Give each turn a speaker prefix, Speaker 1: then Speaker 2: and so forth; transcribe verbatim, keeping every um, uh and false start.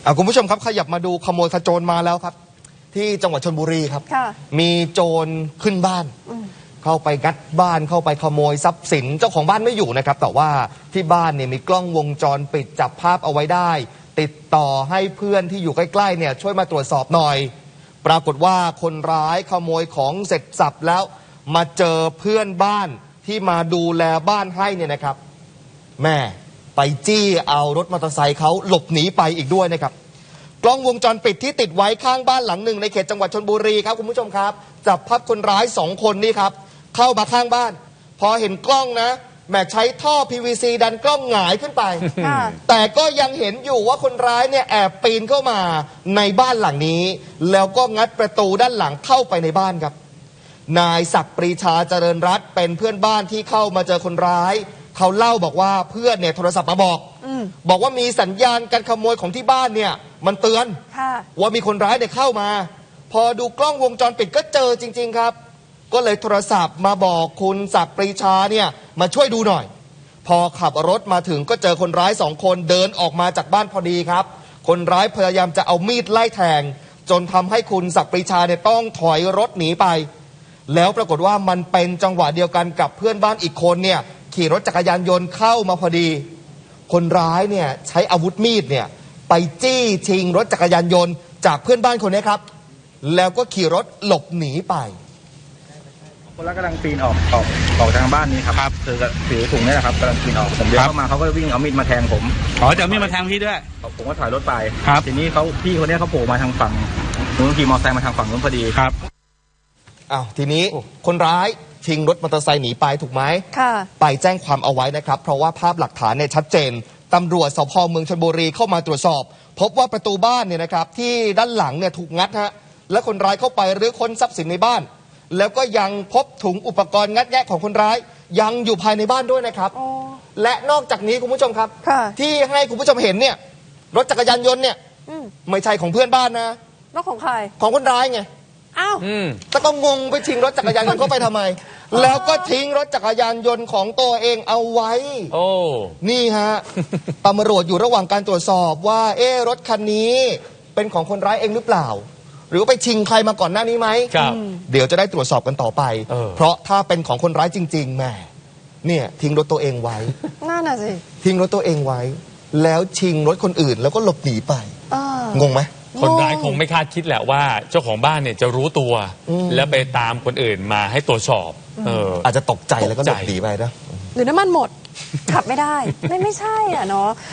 Speaker 1: คุณผู้ชมครับขยับมาดูขโมยขโจรมาแล้วครับที่จังหวัดชลบุรีครับมีโจรขึ้นบ้านเข้าไปงัดบ้านเข้าไปขโมยทรัพย์สินเจ้าของบ้านไม่อยู่นะครับแต่ว่าที่บ้านเนี่ยมีกล้องวงจรปิดจับภาพเอาไว้ได้ติดต่อให้เพื่อนที่อยู่ใกล้ๆเนี่ยช่วยมาตรวจสอบหน่อยปรากฏว่าคนร้ายขโมยของเสร็จสับแล้วมาเจอเพื่อนบ้านที่มาดูแลบ้านให้เนี่ยนะครับแม่ไปจี้เอารถมอเตอร์ไซค์เขาหลบหนีไปอีกด้วยนะครับกล้องวงจรปิดที่ติดไว้ข้างบ้านหลังหนึ่งในเขตจังหวัดชลบุรีครับคุณผู้ชมครับจับภาพคนร้ายสองคนนี่ครับเข้ามาข้างบ้านพอเห็นกล้องนะแม่ใช้ท่อ พี วี ซี ดันกล้องหงายขึ้นไปแต่ก็ยังเห็นอยู่ว่าคนร้ายเนี่ยแอบปีนเข้ามาในบ้านหลังนี้แล้วก็งัดประตูด้านหลังเข้าไปในบ้านครับนายศักดิ์ปรีชาเจริญรัตน์เป็นเพื่อนบ้านที่เข้ามาเจอคนร้ายเขาเล่าบอกว่าเพื่อนเนี่ยโทรศัพท์มาบอกบอกว่ามีสัญญาณการขโมยของที่บ้านเนี่ยมันเตือนว่ามีคนร้ายเนี่ยเข้ามาพอดูกล้องวงจรปิดก็เจอจริงๆครับก็เลยโทรศัพท์มาบอกคุณศักดิ์ปรีชาเนี่ยมาช่วยดูหน่อยพอขับรถมาถึงก็เจอคนร้ายสองคนเดินออกมาจากบ้านพอดีครับคนร้ายพยายามจะเอามีดไล่แทงจนทำให้คุณศักดิ์ปรีชาเนี่ยต้องถอยรถหนีไปแล้วปรากฏว่ามันเป็นจังหวะเดียวกันกับเพื่อนบ้านอีกคนเนี่ยขี่รถจักรยานยนต์เข้ามาพอดีคนร้ายเนี่ยใช้อาวุธมีดเนี่ยไปจี้ชิงรถจักรยานยนต์จากเพื่อนบ้านคนนี้ครับแล้วก็ขี่รถหลบหนีไป
Speaker 2: คนร้ายกำลังปีนออกออกออกทางบ้านนี้ครับคือถือถุงนี่แหละครับกำลังปีนออกผมเดินเข้ามาเขาก็วิ่งเอามีดมาแทงผม
Speaker 3: อ๋อจะเอามีดมาแทงพี่ด้วย
Speaker 2: ผมก็ถอยรถไปครับทีนี้เขาพี่คนนี้เขาโผล่มาทางฝั่งนู้นขี่มอเตอร์ไซค์มาทางฝั่งนู้นพอดี
Speaker 3: ครับ
Speaker 1: อ้าวทีนี้คนร้ายชิงรถมอเตอร์ไซค์หนีไปถูกไหมค่ะไปแจ้งความเอาไว้นะครับเพราะว่าภาพหลักฐานเนี่ยชัดเจนตำรวจสภ.เมืองชลบุรีเข้ามาตรวจสอบพบว่าประตูบ้านเนี่ยนะครับที่ด้านหลังเนี่ยถูกงัดฮะและคนร้ายเข้าไปรื้อค้นทรัพย์สินในบ้านแล้วก็ยังพบถุงอุปกรณ์งัดแงะของคนร้ายยังอยู่ภายในบ้านด้วยนะครับและนอกจากนี้คุณผู้ชมครับที่ให้คุณผู้ชมเห็นเนี่ยรถจักรยานยนต์เนี่ยไม่ใช่ของเพื่อนบ้านนะ
Speaker 4: รถของใคร
Speaker 1: ของคนร้ายไง
Speaker 4: อ้าว
Speaker 1: แต่ก็งงไปชิงรถจักรยานยนต์เข้าไปทำไมแล้วก็ทิ้งรถจักรยานยนต์ของตัวเองเอาไว้
Speaker 3: โอ้
Speaker 1: นี่ฮะตำรวจอยู่ระหว่างการตรวจสอบว่าเอ๊ะรถคันนี้เป็นของคนร้ายเองหรือเปล่าหรือไปชิงใครมาก่อนหน้านี้ไหม
Speaker 3: ครับ
Speaker 1: เดี๋ยวจะได้ตรวจสอบกันต่อไปเ, เพราะถ้าเป็นของคนร้ายจริงๆแม่เนี่ยทิ้งรถตัวเองไว้
Speaker 4: น่าน่ะสิ
Speaker 1: ทิ้งรถตัวเองไว้แล้วชิงรถคนอื่นแล้วก็หลบหนีไปงงไหม
Speaker 3: คนร้ายคงไม่คาดคิดแหละว่าเจ้าของบ้านเนี่ยจะรู้ตัวแล้วไปตามคนอื่นมาให้ตรวจสอบเออ
Speaker 1: อาจจะตกใจแล้วก็หลบหนีไปนะ
Speaker 4: หรือน้ำมันหมดขับไม่ได้ไม่ไม่ใช่อ่ะเนาะ